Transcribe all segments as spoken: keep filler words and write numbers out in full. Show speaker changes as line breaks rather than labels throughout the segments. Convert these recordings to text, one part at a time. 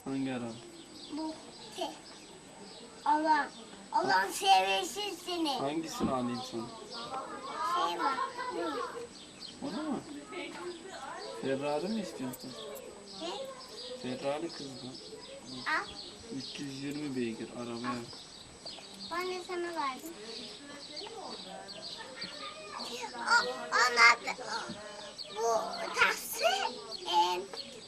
Hangi araba?
Bu şey. Allah. Allah sevmesin seni.
Hangisini alayım sana?
Şey var. Bu.
O da mı? Ferrari mi istiyorsun?
Ne?
Ferrari kız bu.
Al.
üç yüz yirmi beygir arabaya.
Ben de sana verdim. O, onlar da, bu taksi. E,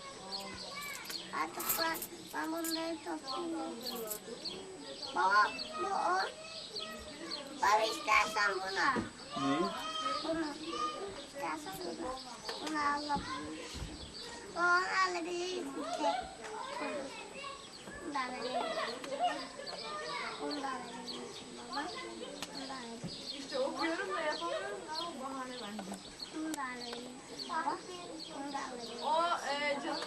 artık ben, ben bunları toplayayım. Baba bu o. Baba istersen bunu al.
Neyi?
Bunu. İstersen bunu. Bunu alabilirsin. Baba onu alabilirsin. Bunu da alabilirsin. Bunu da alabilirsin baba. Bunu da alabilirsin.
İşte okuyorum da yapamıyorum da o bahane bence.
Bunu da alabilirsin baba. Bunu da alabilirsin.
O e, canım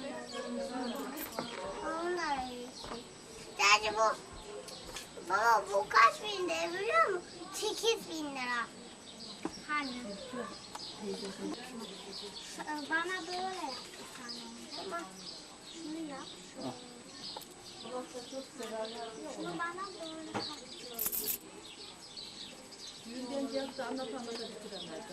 Onu da alabilirsin. Sadece bu. Baba bu kaç bin lira biliyor musun? sekiz bin lira. Hani? Bana böyle yap bir tane. Tamam. Şunu yap. Şunu bana böyle yap.
yüzden cevapta anlat anlata bitiremezdi.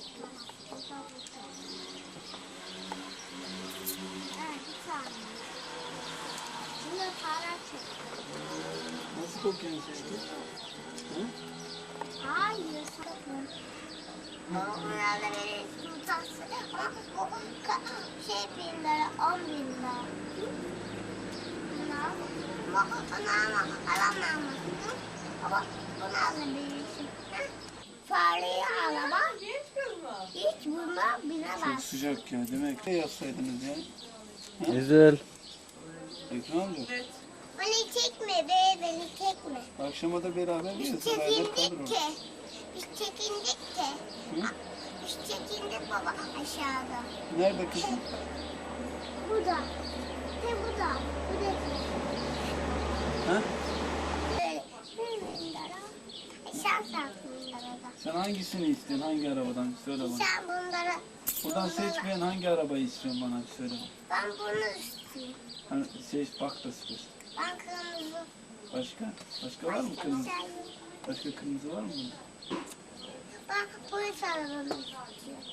Evet bir tane. Şimdi para çek.
Nasıl kokuyorsun sen? Hı?
Hayır sakın. Onlar da verirsin taksi. Ama o ka- şey bin lira, on bin lira. Bunu al. Ama onu alma, alamam. Ama bunu alabilirsin. Fareye alama.
Genç kız mı?
Hiç buna
Çok
binemez.
sıcak ya. Demek ki yapsaydınız ya.
Güzel.
Ekran mı?
Evet.
Beni çekme be, beni çekme.
Akşama da beraber
Biz
yiyoruz. Beraber
çekindik
kalırız.
ki. Biz çekindik ki.
Hı?
Biz çekindik baba aşağıda.
Nerede kızım?
Burada. Ve burada. Bu da
Ha?
böyle. Bir bin lira. Sen sattın lirada.
Sen hangisini istiyorsun? Hangi arabadan? Söyle bana.
Sen bunlara...
Buradan
bunlara-
seçmeyen hangi arabayı istiyorsun bana? Söyle bana.
Ben bunu istiyorum.
Hani seç bak da seç.
Ben kırmızı.
Başka? Başka var mı
Başka
kırmızı?
bir şey yok.
Başka kırmızı var mı bunda?
Ben polis arabamı istiyorum.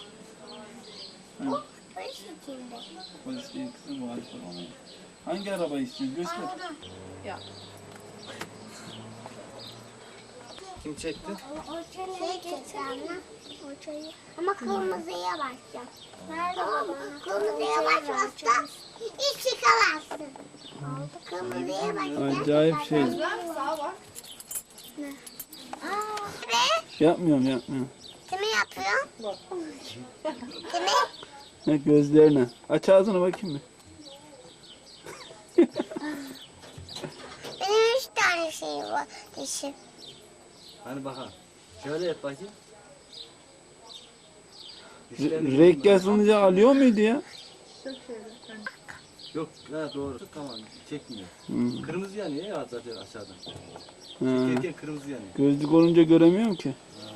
Bu
Ha,
polis içinde.
polis değil kızım bu Alfa Romeo. Hangi arabayı istiyorsun? Göster.
Anladım.
Ya.
Kim çekti?
O, o çayı çekti anne. O çayı. Ama kırmızıya başlayacağım. Tamam mı? Kırmızıya başlarsan hiç çıkamazsın. Kırmızıya başlarsan.
Acayip şey.
Güzel sağa bak.
Aa, ve
Yapmıyorum yapmıyorum.
kimi yapıyorsun? Kimi?
Ne gözlerine. Aç ağzını bakayım bir.
Benim üç tane şeyim var. Dişim.
Hani bakalım. Şöyle yap bakayım.
Re- renk yazılınca alıyor muydu ya?
Yok, ha doğru. Tamam, çekmiyor.
Hı.
Kırmızı yanıyor ya zaten aşağıdan.
Ha.
Çekerken kırmızı yanıyor.
Gözlük olunca göremiyorum ki.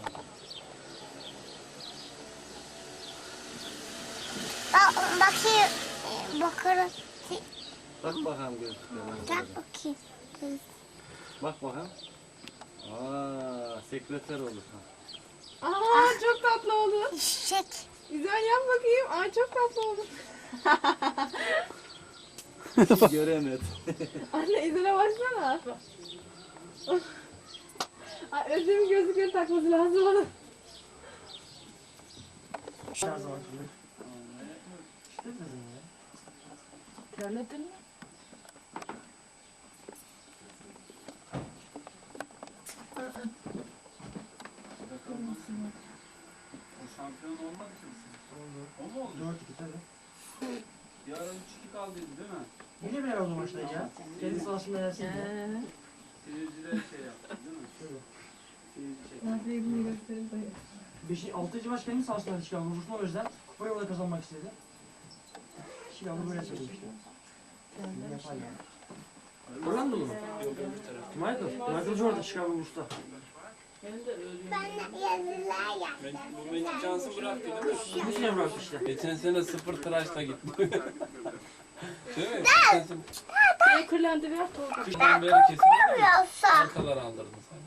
Bak, bakayım. e, Bakarım.
Bak bakalım gözlüklerine.
Tak bakayım.
Bak bakalım. Aa, sekreter olur. Ha.
Aa çok tatlı oldu.
Çiçek.
Güzel yap bakayım. Aa çok tatlı oldu.
Hiç göremedim.
Anne izine baksana. Ay Özlem'in gözlükleri takması lazım ona. Terledin mi?
O şampiyon olmadı ki. O mu oldu?
dört iki tabii.
Bir ara üç iki kaldıydı değil mi?
Yine bir oldu maçta ya. Kendi sahasında yersin ya.
Seyirciler şey yaptı değil mi? Seyirci çekti.
Nasıl ilgini göstereyim dayı.
Beşi, altıncı maç kendi sahasında Chicago buluşma o yüzden kupayı orada kazanmak istedi. Chicago böyle söylemişti. Yapar yani. Orlando mu?
Yok öbür taraf.
Michael. Michael Jordan Chicago Bulls'ta.
Ben yazılar
Ben,
yaptım.
bu Magic Johnson bıraktı değil mi?
Bu sene bıraktı işte.
Geçen sene sıfır tıraşla gitti.
Değil mi? Sen
Niye kırlandı ver Tolga.
kıştan beri kesinlikle
Yoksa.
arkalar aldırdın sen.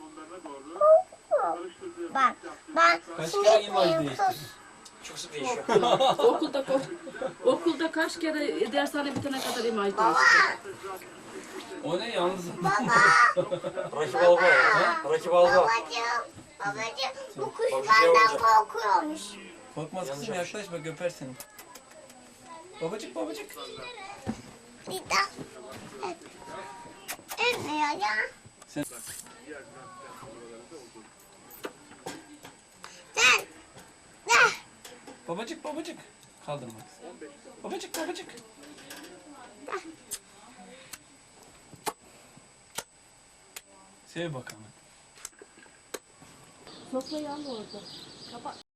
Bak ben
Kaç
şimdi
kere imaj
kıyım
değiştirdin?
sus.
Çok sık değişiyor.
Okulda okulda kaç kere dershane bitene kadar imaj değişti.
O ne yalnız?
Rakip alba ya. Rakip alba.
Babacığım, babacığım bu kuş
Bak, bir şey
benden
olacak.
korkuyormuş.
Korkmaz kızım yaklaş bak öper seni. Babacık babacık.
Bir daha. Evet. Ölmüyor ya.
Sen-
Sen. Ah.
Babacık babacık. Kaldırma. Babacık babacık. Sev bakalım.
Sofrayı al orada. Kapat.